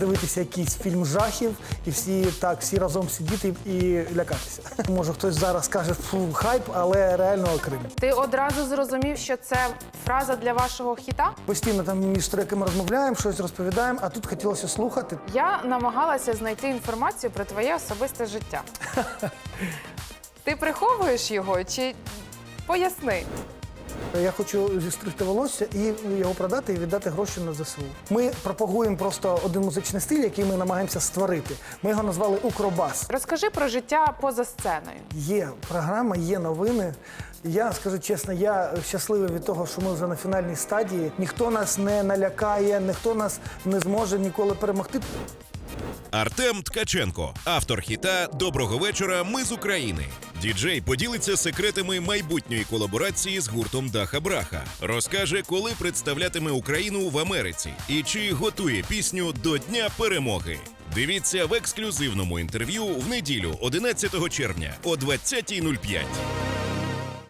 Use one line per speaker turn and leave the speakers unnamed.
дивитися якийсь фільм жахів і всі разом сидіти і лякатися. Може хтось зараз скаже, фу, хайп, але реально Крим.
Ти одразу зрозумів, що це фраза для вашого хіта?
Постійно там між треками розмовляємо, щось розповідаємо, а тут хотілося слухати.
Я намагалася знайти інформацію про твоє особисте життя. Ти приховуєш його чи поясни?
Я хочу зістригти волосся і його продати і віддати гроші на ЗСУ. Ми пропагуємо просто один музичний стиль, який ми намагаємося створити. Ми його назвали «Укробас».
Розкажи про життя поза сценою.
Є програма, є новини. Я скажу чесно, я щасливий від того, що ми вже на фінальній стадії. Ніхто нас не налякає, ніхто нас не зможе ніколи перемогти.
Артем Ткаченко, автор хіта «Доброго вечора, ми з України». Діджей поділиться секретами майбутньої колаборації з гуртом Даха Браха. Розкаже, коли представлятиме Україну в Америці і чи готує пісню до Дня перемоги. Дивіться в ексклюзивному інтерв'ю в неділю 11 червня о 20:05.